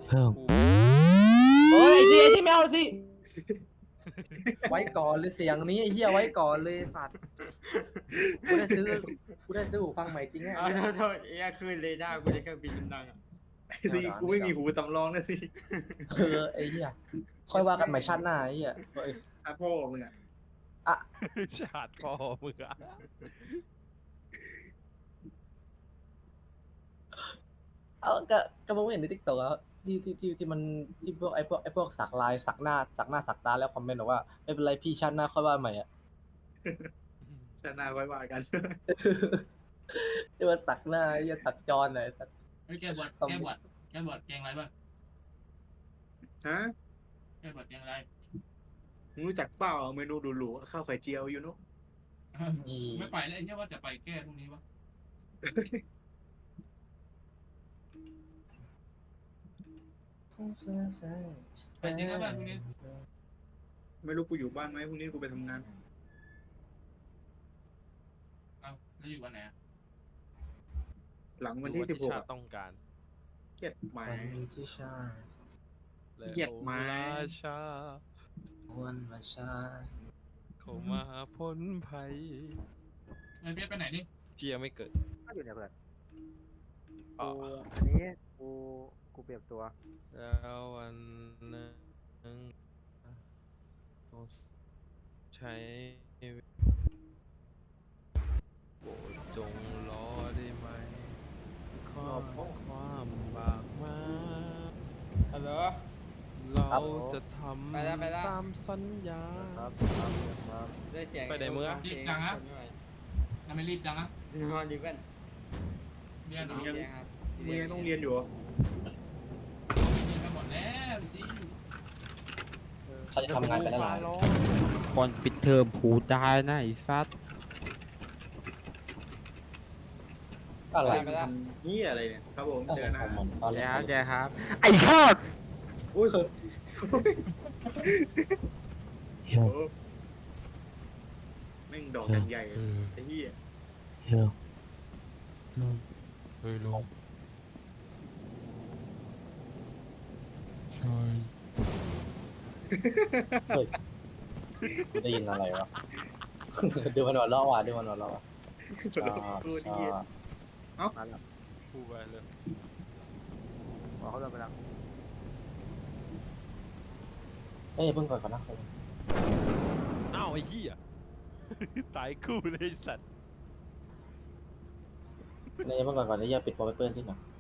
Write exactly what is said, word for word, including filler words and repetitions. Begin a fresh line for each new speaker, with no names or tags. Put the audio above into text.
เพิ่ม
เฮ้ยไอ้ที่ไอ้ที่ไม่เอาสิ
ไว้ก่อนเลยเสียงนี้ไอ้เหี้ยไว้ก่อนเลยสัตว์กูได้ซื้อกูได้ซื้อหูฟังใหม่จริงไง
เอาโทษโทษไอ้ยคืนเรดาร์กูจะเครื่องบินดังอ่ะ
สิกูไม่มีหูสำรองนะสิ
เออไอ้เหี้ยค่อยว่ากันใหม่ชาติหน้าไอ้เหี้ยเฮ้ย
ถ้าพ่อมึงอ่ะ
ชาติพ่อมึงอะ
เออก็ก็มึงไม่เห็นในทิกตอกแล้วที่ที่ที่ที่มันที่พวกไอ้พวกไอ้พวกสักลายสักหน้าสักหน้าสักตาแล้วคอมเมนต์บอกว่าไม่เป็นไรพี่ชาติหน้าค่อยว่าใหม่อ่ะ
ชาติหน้าไว้ว่ากัน
ที่ว่าสักหน้าไอ้เหี้ยสักจรหน่อยสัก
เฮ้ยแกบวชแกบวชแกบวชแกงอะไรบ้าง
ฮะ
แกบวชแกงอะไร
มึงรู้จักเปล่าเมนูหรูๆข้าวไข่เจียวอยู่เนาะ
ไม่ไปแล้วไอ้เนี่ยว่าจะไปแก้พรุ่งนี้วะไปจริงนะบ้านพรุ่งนี้
ไม่รู้กูอยู่บ้านไหมพรุ่งนี้กูไปทำงาน
เอาแล้วอยู่วันไหนอ่ะ
หลังวันที่สิบหก
ชาติต้องการ
เกลียดหมา
วันที่ชา
เหยียดไม้
ราชา
วันมาชา
เขามาพ้นภัย
ไอ้เฟียสไปไหนนี่
เจียไม่เกิด
ก็อยู่เนี่ยเพื่อน
อ๋อ
กูอันนี้กูกูเปรียบตัว
แล้ววันหนึงต้องใช้โปรดจงรอได้ไหมข้อความบากมา
ฮัลโหล
เราจะท
ไปแล้วไปแล้ว
ำตามสัญญา
ครับครับครับ
ได้เสียง
ไปไหนมึงอะ
รีบจังอะทำไมรีบจังอะนอนดีกันเรียนเหรอ
มึงยัง
เรียนครับ
มึงยังต้องเรียนอยู่เหรอ
เรียนกันหมดแล้วสิ
เขาจะทำงานกันแล้วเหรอ
ก่อนปิดเทอมผูได้นะไอ้ซัด
อะไร
ไปแล้ว
นี่อะไรเนี่ยครับผม
อะ
เจ
ไร
อ
ข
นะ
องมันตอนแร
เจ๊
ก
ครับเจ๊ครับ ไอ้ชอบ
อุ้ยโอ้
เฮีย
โหแม่งดอกกันใหญ่ไอ้เหี้ย
เฮียลุงเฮ้ยลุงใช่
ได้ยินอะไรวะ ดูมันหัวเราะว่ะดูมันหัวเราะว่ะชอบ
พูด
ช
ไอ้เหี้ย
อบ
มาแล้ว
พูดไปเลย
บอกเขาเดินไปแล้ว
เอ้ยเพิ่งก่อนก่อนนะ
อ้าวไอ้เหี้ย ตายคู่เลยไอ้สัตว์
เนี่ยเพิ่งก่อนก่อนนี่อย่าปิดโปรไมเปิลที่หน่อย